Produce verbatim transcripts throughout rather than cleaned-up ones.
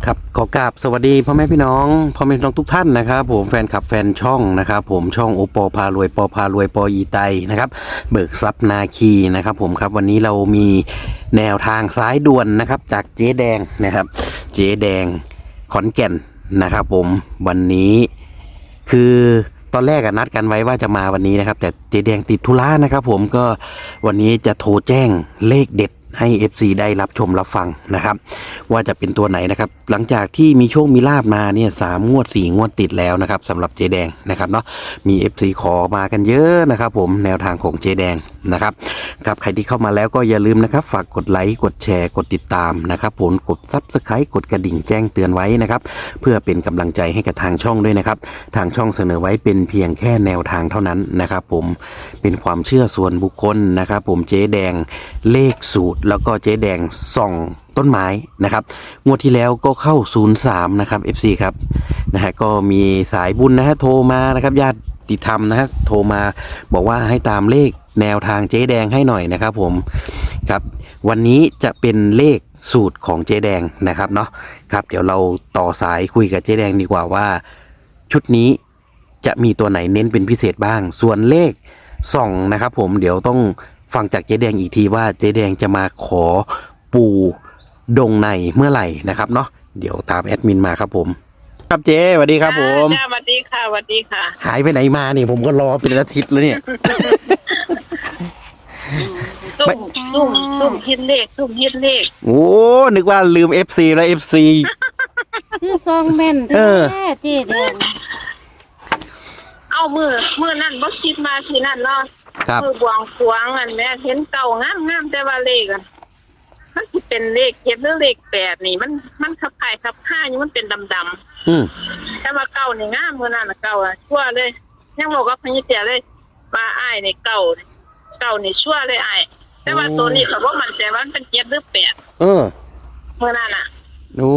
ครับขอกราบสวัสดีพ่อแม่พี่น้องพ่อแม่พี่น้องทุกท่านนะครับผมแฟนคลับแฟนช่องนะครับผมช่องโอปอพารวยปอพารวยปออีไตนะครับเบิกทรัพย์นาคีนะครับผมครับวันนี้เรามีแนวทางซ้ายด่วนนะครับจากเจ๊แดงนะครับเจ๊แดงขอนแก่นนะครับผมวันนี้คือตอนแรกนัดกันไว้ว่าจะมาวันนี้นะครับแต่เจ๊แดงติดธุระนะครับผมก็วันนี้จะโทรแจ้งเลขเด็ดให้ เอฟ ซี ได้รับชมรับฟังนะครับว่าจะเป็นตัวไหนนะครับหลังจากที่มีโชคมีลาบมาเนี่ยสามงวดสี่งวดติดแล้วนะครับสำหรับเจ๊แดงนะครับเนาะมี เอฟ ซี ขอมากันเยอะนะครับผมแนวทางของเจ๊แดงนะครับครับใครที่เข้ามาแล้วก็อย่าลืมนะครับฝากกดไลค์กดแชร์กดติดตามนะครับผมกด ซับสไครบ์ กดกระดิ่งแจ้งเตือนไว้นะครับเพื่อเป็นกำลังใจให้กับทางช่องด้วยนะครับทางช่องเสนอไว้เป็นเพียงแค่แนวทางเท่านั้นนะครับผมเป็นความเชื่อส่วนบุคคลนะครับผมเจ๊แดงเลขสูตรแล้วก็เจ๊แดงส่องต้นไม้นะครับงวดที่แล้วก็เข้าศูนย์สามนะครับ เอฟ ซี ครับนะฮะก็มีสายบุญนะฮะโทรมานะครับญาติธรรมนะฮะโทรมาบอกว่าให้ตามเลขแนวทางเจ๊แดงให้หน่อยนะครับผมครับวันนี้จะเป็นเลขสูตรของเจ๊แดงนะครับเนาะครับเดี๋ยวเราต่อสายคุยกับเจ๊แดงดีกว่าว่าชุดนี้จะมีตัวไหนเน้นเป็นพิเศษบ้างส่วนเลขส่องนะครับผมเดี๋ยวต้องฟังจากเจ๊แดงอีกทีว่าเจ๊แดงจะมาขอปูดงในเมื่อไหร่นะครับเนาะเดี๋ยวตามแอดมินมาครับผมครับเจ๊สวัสดีครับผมจ้าสวัสดีค่ะสวัสดีค่ะหายไปไหนมาเนี่ยผมก็รอเป็นอาทิตย์แล้วเนี่ยซุ่มซุ่มซุ่มฮิตเลขซุ่มฮิตเลขโอ้นึกว่าลืม เอฟ ซี แล้ว เอฟ ซีคือซองแม่นเออแท้เจ๊แดงเอามือมือนั่นบ่คิดมาที่นั่นเนาะครับมือบวงสรวงอันแม่เห็นเก่างามงามแต่ว่าเลขอ่ะมันสิเป็นเลขเจ็ดหรือเลขแปดนี่มันมันขับไข่ขับข้าอยู่มันเป็นดำๆอืมแต่ว่าเก่านี่งามมือนั่นน่ะเก่าอ่ะชั่วเลยยังบอกกับพญเตียเลยว่าอ้ายนี่เก่าเก่านี่ชั่วเลยอ้ายแต่ว่าตัวนี้เขาบอกมันแต่ว่ามันเป็นเจ็ดหรือแปดเออมือนั่นน่ะโอ้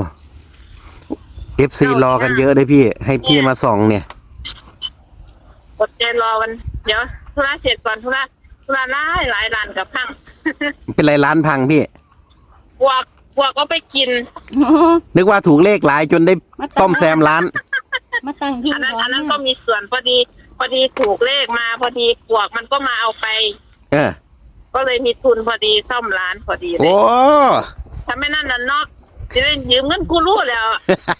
เอฟ ซี รอกันเยอะเลยพี่ ให้พี่มาส่องเนี่ยกดใจรอวันเดี๋ยวธุระเสร็จก่อนธุระธุระหลายหลายร้านกับพังเป็นไรร้านพังพี่พวกพวกก็ไปกินโอ้นึกว่าถูกเลขหลายจนได้ซ่อมแซมร้านมาตั้งหิ้งอันนั้นก่ออันนนั้นนะก็มีส่วนพอดี พอดีถูกเลขมา พอดีพวกมันก็มาเอาไปเออก็เลยมีทุนพอดีซ่อมร้านพอดีเลโอ้ยถ้าไม่นั่นน่ะนอกจะได้ยืมเงินกู้รูปแล้ว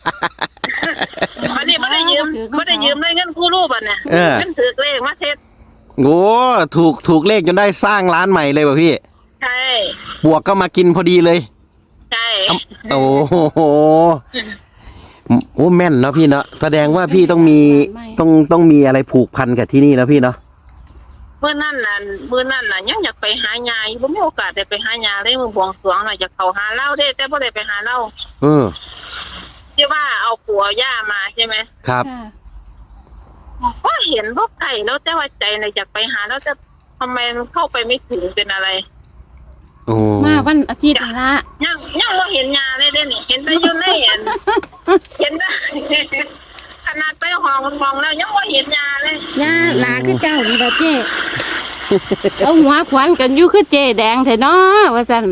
วันนี้ไม่ได้ยืมไม่ได้ยืมได้เงินกู้รูปอ่ะเนี่ยเออเงินถือเลขมาเช็ดโอ้ถูกถูกเลขจนได้สร้างร้านใหม่เลยว่ะพี่ใช่บวกก็มากินพอดีเลยใช่โอ้โหโอ้แม่นเนาะพี่เนาะแสดงว่าพี่ต้องมีต้องต้องมีอะไรผูกพันกับที่นี่แล้วพี่เนาะเมื่อนั่นน่ะเมื่อนั่นน่ะยังอยากไปหายายบ่มีโอกาสได้ไปหายาเลยมือบวงสรวงน่ะอยากเข้าหาเหล้าได้แต่บ่ได้ไปหาเหล้าเออที่ว่าเอาผัวย่ามาใช่ไหมครับค่ะก็เห็นพวกไก่แล้วแต่ว่าใจน่ะอยากไปหาแล้วจะทำไมมันเข้าไปไม่ถึงเป็นอะไรโอ้มาวันอาทิตย์นี่ละยังยังบ่เห็นยาเลยเด้นี่เห็นแต่อยู่ในอันเห็นแต่ ขนาดไปห้องมองแล้วยังบ่เห็นยาเลยย่าหนาคือเจ้านี่ละเจ๊เอาหัวขวัญกันอยู่คือเจ๊แดงเถอะเนาะว่าซั่น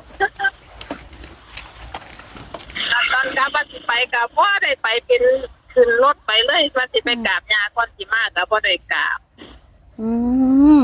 ตอนกลับว่าสิไปกับบ่ได้ไปเป็นขึ้นรถไปเลยว่าสิไปกราบยาก่อนสิมาก็บ่ได้กราบอืม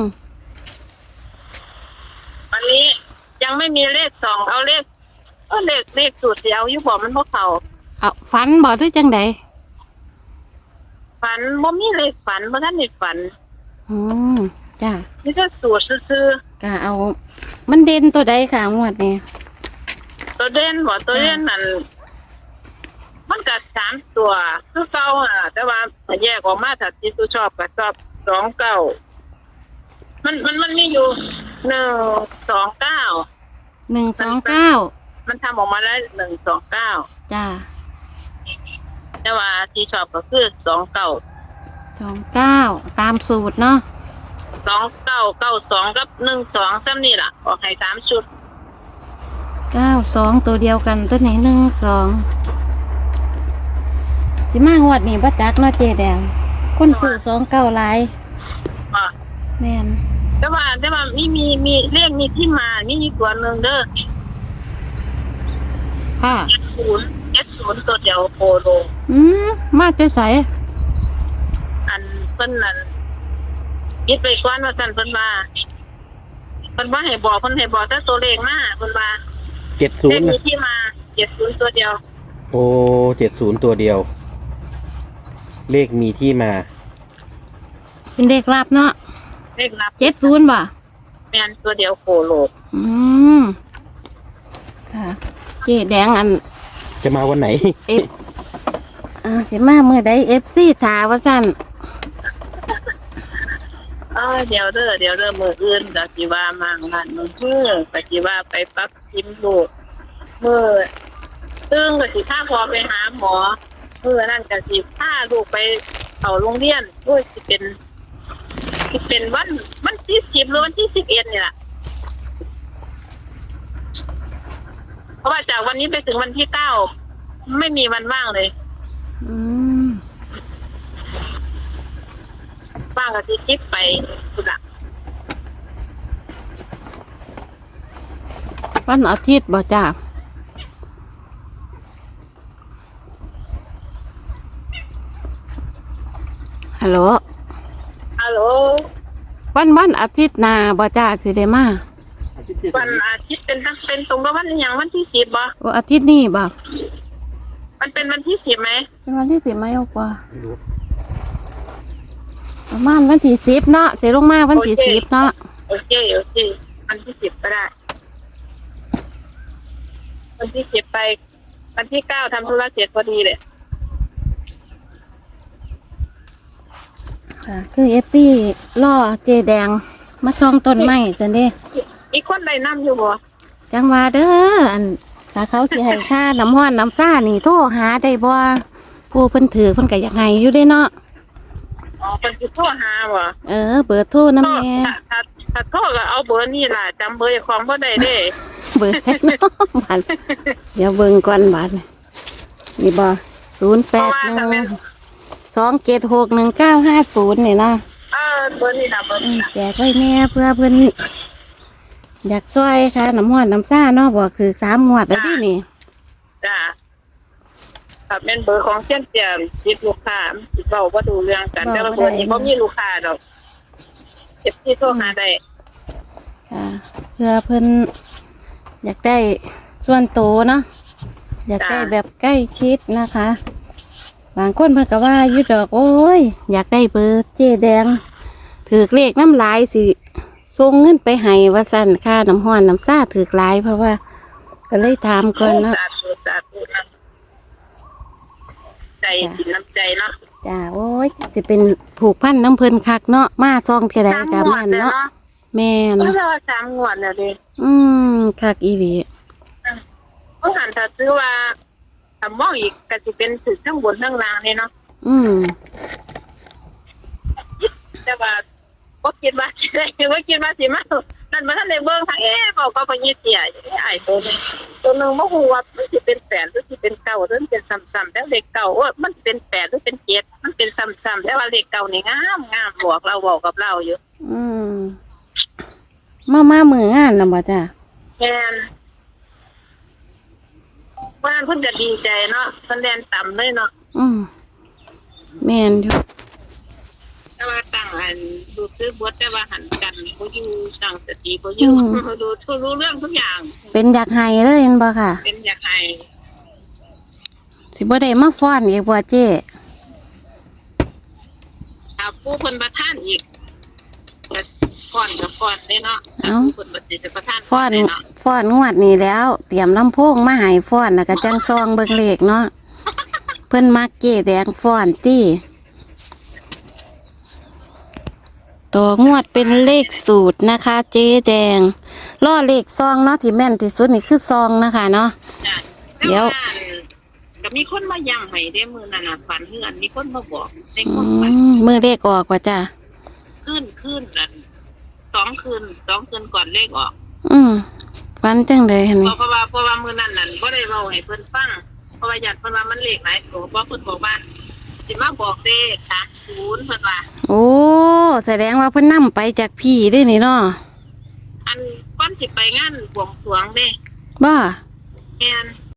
วันนี้ยังไม่มีเลขสองเอาเลขเออเลขเลขสูตรเดียวอยู่บ่มันบ่เข้าเอาฝันบ่คือจังไดฝันบ่มีเลขฝันบ่ทันได้ฝันอืมจ้ามีแต่สูตรซื่อก็เอา มันเด่นตัวใดค่ะงวดนี้ๆตัวเด่นบ่ตัวเด่นนั่นมันก็สามตัวคือเก่าอ่ะแต่ว่าถ้าแยกออกมาถ้าที่ตัวชอบก็ชอบสองเก้ามันมันมันมีอยู่หนึ่งสองเก้าหนึ่งสองเก้ามันทำออกมาได้หนึ่งสองเก้าจ้าแต่ว่าที่ชอบก็คือสองเก้าสองเก้าตามสูตรเนาะสองเก้าเก้าสองกับหนึ่งสองซ้ำนี่ล่ะออกให้สามชุดเก้าสองตัวเดียวกันตัวไหนหนึ่งสองสิมางวดนี้บ่จักเนาะเจ๊แดงคนซื้อสองเก้าหลายอ่ะแม่นแต่ว่าแต่ว่ามีมีมีเรียกมีที่มามีอีกตัวหนึ่งเด้อค่ะเจ็ดศูนย์เจ็ดศูนย์ตัวเดียวโคโลอืมมาจะใส่อันเพิ่นนั่นคิดไปก่อนว่าซั่นเพิ่นว่าเพิ่นว่าให้บอกเพิ่นให้บอกแต่ตัวเลขมาเพิ่นว่าเจ็ดศูเลนขย์มีที่มาเจ็ดศูนย์ตัวเดียวโอ้เจ็ดศูนย์ตัวเดียว เลขมีที่มาเป็นเด็กรับเนาะเลขนับเจ็ดศูนย์บ่แม่นตัวเดียวโคโลอืมค่ะเจ๊แดงอันจะมาวันไหนเอฟอ่าสิมาเมื่อใดเอฟซีถาว่าสั่นเออเดี๋ยวเด้อเดี๋ยวเด้อมื้ออื่นก็สิว่ามางานมื้อฮื้อก็สิว่าไปปักชิมลูกมื้อซึ่งก็สิพาพ่อไปหาหมอมื้อนั้นก็สิพาลูกไปเข้าโรงเรียนโอ้ยสิเป็นสิเป็นวันวันที่สิบหรือวันที่สิบเอ็ดนี่ล่ะเพราะว่าจากวันนี้ไปถึงวันที่เก้าไม่มีวันว่างเลยอืมว่างก็สิสิบไปสุดละวันอาทิตย์บ่จ้าฮัลโหลฮัลโหลวันวันอาทิตย์หนาบ่จ้าสิได้มาวันอาทิตย์เป็นตั้งเป็นตรงกับวันอหย่างวันที่สิบบ่โอ้อาทิตย์นี้บ่มันเป็นวันที่สิบไหมเป็นวันที่สิบไหมเอากว่าประมาณวันที่สิบเนาะสิลงมาวันที่สิบเนาะโอเคโอเควันที่สิบก็ได้วันที่สิบไปวันที่เก้าทำธุระเสร็จพอดีเลยค่ะคือเอฟซีล่อเจแดงมาช่องต้นไม้จันเด้อีกคนใดนั่อยู่บ่จังว่าเด้ออันถ้าเขาสิให้ค่าน้ำห้อนน้ำซ่านี่โทรหาได้บ่ผู้เพิ่นถือเพิ่นก็อยากให้อยู่เด้เนาะอ๋อเป็นคือโทรหาบ่เออเบอร์โทรโทรน้ำแน่ถ้าถ้าถ้าโทรก็เอาเบอร์นี่ล่ะจำเบอร์ของบ่ได้เด้เบอร์แท้เนาะบัดเดี๋ยวเบิ่งก่อนบัดนี่บ่ศูนย์แปดหนึ่งสองเจ็ดหกหนึ่งเก้าห้าศูนย์นี่นะเออเบอร์นี่ล่ะเบอร์อืนี่มล่ะแจกไว้แน่เพื่อเพิ่นอยากช่วยค่ะน้ำห้อนน้ำซ่าเนาะบ่คือสามงวดแล้วที่นี่จ้าถ้าเป็นเบอร์ของเชียนเตียมติดลูกค้าสิเว้าบ่ดูเรื่องกันแต่ว่าเบอร์นี้บ่มีลูกค้าดอกเก็บที่โทรหาได้ค่ะเพื่อเพิ่นอยากได้ส่วนโตเนาะอยากได้แบบใกล้ชิดนะคะ บางคนเพิ่นก็ว่าอยู่ดอกโอ้ยอยากได้เบอร์เจ๊แดงถือเลขน้ำลายสิส่งเงินไปให้ว่าสั่นค่าน้ำห้อนน้ำซ่าถือหลายเพราะว่า ก็เลยถามก่อนเนาะสาธุสาธุนะใจสินน้ำใจเนาะจ้าโอ้ยสิเป็นผูกพันน้ำเพิ่นคักเนาะมาซองเท่าใดสามกับงวมัดนแล้วเนาะเนาะแม่นเพราะว่าสามงวดแล้วดิอืมคักอีหลีเพราะหันถ้าซื้อว่าถ้ามองอีกก็สิเป็นถึงทั้งบนทั้งล่างนี่เนาะอืมแต่ว่าบ่คิดว่าสิได้บ่คิดว่าสิมานั่นบ่ทันได้เบิ่งทางเอ๊ะบอกก็บ่ยิดเสียไอ้ตัวนึงตัวนึงบ่ฮู้ว่ามันสิเป็นแปดหรือสิเป็นเก้าหรือมันเป็นซ้ำๆแต่เลขเก้าโอ้ยมันเป็นแปดหรือเป็นเจ็ดมันเป็นซ้ำๆแต่ว่าเลขเก้านี่งามงามบอกเราบอกกับเราอยู่อืมมามามืองานนะบ่จ้าแม่นว่าเพิ่นก็ดีใจเนาะเพิ่นแล่นต่ำเลยเนาะอืมแม่นอยู่แต่ว่าตั้งอันดูซื้อบทแต่ว่าหันกันบ่อยู่ตั้งสติบ่อยู่ดูทุกรู้เรื่องทุกอย่างเป็นอยากให้เลยเห็นบ่ค่ะเป็นอยากให้สิบ่ได้มาฟ้อนอีกบ่เจ้ถ้าผู้เพิ่นประทานอีกก็ก่อนกับก่อนเด้เนาะถ้าผู้เพิ่นบ่สิจะประทานฟ้อนเด้เนาะฟ้อนงวดนี้แล้ว เตรียมลำโพงมาให้ฟ้อนแล้วก็จังซองเบิ่งเลขเนาะเพิ่นมักเก้แดงฟ้อนติตัวงวดเป็นเลขสูตรนะคะ เจ๊แดงล่อเลขซองเนาะที่แม่นที่สุดนี่คือซองนะคะเนาะจ้ะเดี๋ยวแต่าก็มีคนมาย้ำให้เด้มื้อนั้นน่ะฝันเฮือนมีคนมาบอกในอืคนฝันมมือเลขออกว่าจ้ะคืนคืนนั่นสองคืนสองคืนก่อนเลขออกอืมฟันจังเลยเห็นไหมเพราะว่าเพราะว่ามื้อนั้นนั่นบ่ได้เว้าให้เพิ่นฟังเพราะว่าญาติเพิ่นว่ามันเลขหลายตัวบ่เพิ่นบอกว่าสิมาบอกเลขสามสิบเพิ่นว่าโอ้แสดงว่าเพิ่นนํไปจากพี่ได้นี่เนาะอันก่อนสิไปงานบวงสรวงเด้บ้าแม่น